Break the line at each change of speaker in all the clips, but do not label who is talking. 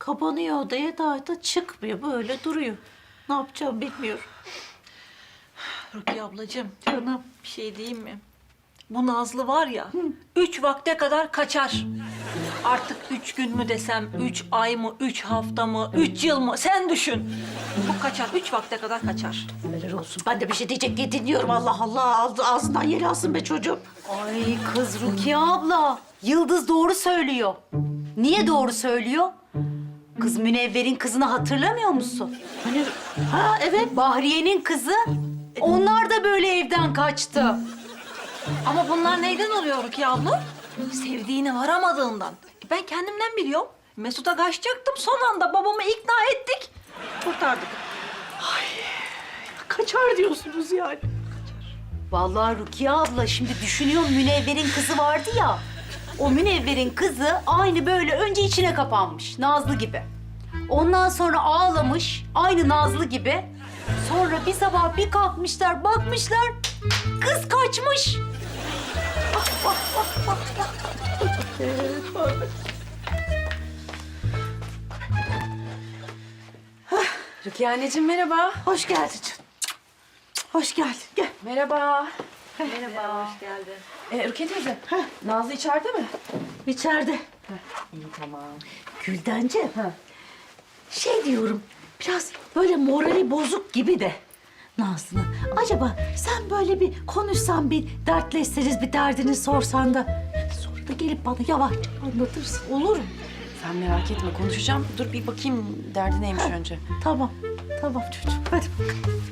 Kapanıyor odaya da çıkmıyor. Böyle duruyor. Ne yapacağım bilmiyorum.
Rukiye ablacığım,
Canım.
bir şey diyeyim mi? Bu Nazlı var ya, 3 vakte kadar kaçar. Artık 3 gün mü desem, 3 ay mı, 3 hafta mı, 3 yıl mı? Sen düşün. Bu kaçar, 3 vakte kadar kaçar.
Helal olsun. Ben de bir şey diyecek diye dinliyorum. Allah Allah. Ağzından yel alsın be çocuğum.
Ay kız Rukiye abla, Yıldız doğru söylüyor. Niye doğru söylüyor? Kız Münevver'in kızını hatırlamıyor musun?
Hani, ha evet.
Bahriye'nin kızı. Onlar da böyle evden kaçtı.
Ama bunlar neyden oluyor Rukiye abla? Sevdiğine varamadığından. Ben kendimden biliyorum. Mesut'a kaçacaktım. Son anda babamı ikna ettik. Kurtardık.
Kaçar diyorsunuz yani.
Vallahi Rukiye abla şimdi düşünüyorum Münevver'in kızı vardı ya. O Münevver'in kızı aynı böyle önce içine kapanmış Nazlı gibi. Ondan sonra ağlamış aynı Nazlı gibi. Sonra bir sabah bir kalkmışlar bakmışlar kız kaçmış.
Rukiye anneciğim merhaba.
Hoş geldin canım. Hoş geldin. Gel.
Merhaba.
Merhaba, hoş geldin.
Rukiye teyze. Nazlı içeride mi?
İçeride.
İyi tamam.
Güldenciğim. Şey diyorum, biraz böyle morali bozuk gibi de Nazlı'nın. Acaba sen böyle bir konuşsan, bir dertleşseniz, bir derdini sorsan da sonra da gelip bana yavaşça anlatırsın. Olur mu?
Sen merak etme konuşacağım. Dur bir bakayım derdi neymiş önce.
Tamam, tamam çocuğum. Hadi bakalım.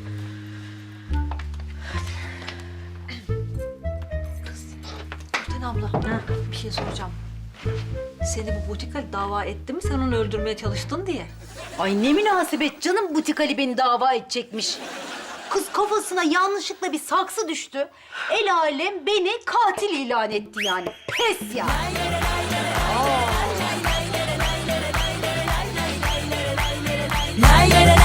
Gülten abla, bir şey soracağım. Seni bu butik Ali dava etti mi sen onu öldürmeye çalıştın diye?
Ay ne münasebet canım butik Ali beni dava edecekmiş. Kız kafasına yanlışlıkla bir saksı düştü. El alem beni katil ilan etti yani. Pes ya.
Lay lay lay